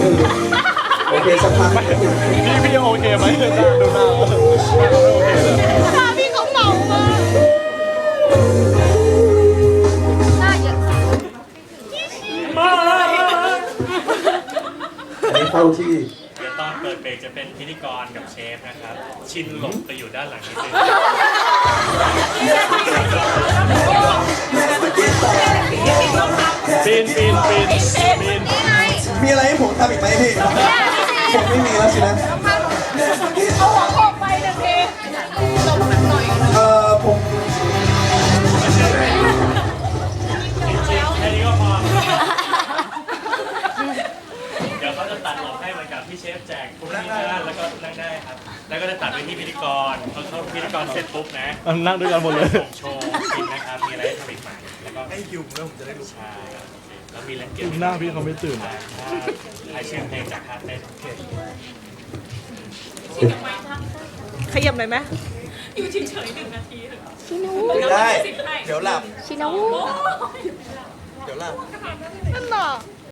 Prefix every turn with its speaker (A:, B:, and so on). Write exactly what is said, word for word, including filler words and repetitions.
A: โอเคสักพัก
B: พี่พี่โอเคไหมหน้าดูหน้าไม่โอเคเลย
C: ถ้าพี่เขาเมามาหน้าเยอะ
A: อันนี้เข้าที่
D: เดี๋ยวตอนเปิดเบรกจะเป็นพิธีกรกับเชฟนะครับ ชินหลบไปอยู่ด้านหลังนิดนึง
B: ปีนปีนปีนปีน
A: มีอะไรให้ผมทำอีกไหมพี่ผมไม่มีแล้วสินะ
C: เอาหัวโขกไปหนึ่งทีหลบหน่อย
A: เอ่อผม
D: แค่นี้ก็พอ เดี๋ยวเขาจะตัดหลบให้เหมือนกับที่เชฟแจกคุณนั่งได้แล้วก็นั่งได้ครับ แล้วก็จะตัดไปที่พิธีกรพอเขาพิธีกรเสร็จปุ๊บนะ
B: นั่งด้วยกันหมดเลย
D: ผมโชว์กินนะครับ มีอะไรให้ทำอีกไหมแล้วก็ให้ยุงแล้วผมจะได้รู้ชาแล้วมีเล่นเกม
B: หน้าพี่เขาไม่ตื่น
D: ใครเชื่อเพลงจากฮาร์ดเต้น
C: ขยับหน่อยไหไหม
A: ไม่ได้ เดี๋ยวหลับ
C: ชิโน่
A: เดี๋ยวหลับ
C: นั่นน่ะ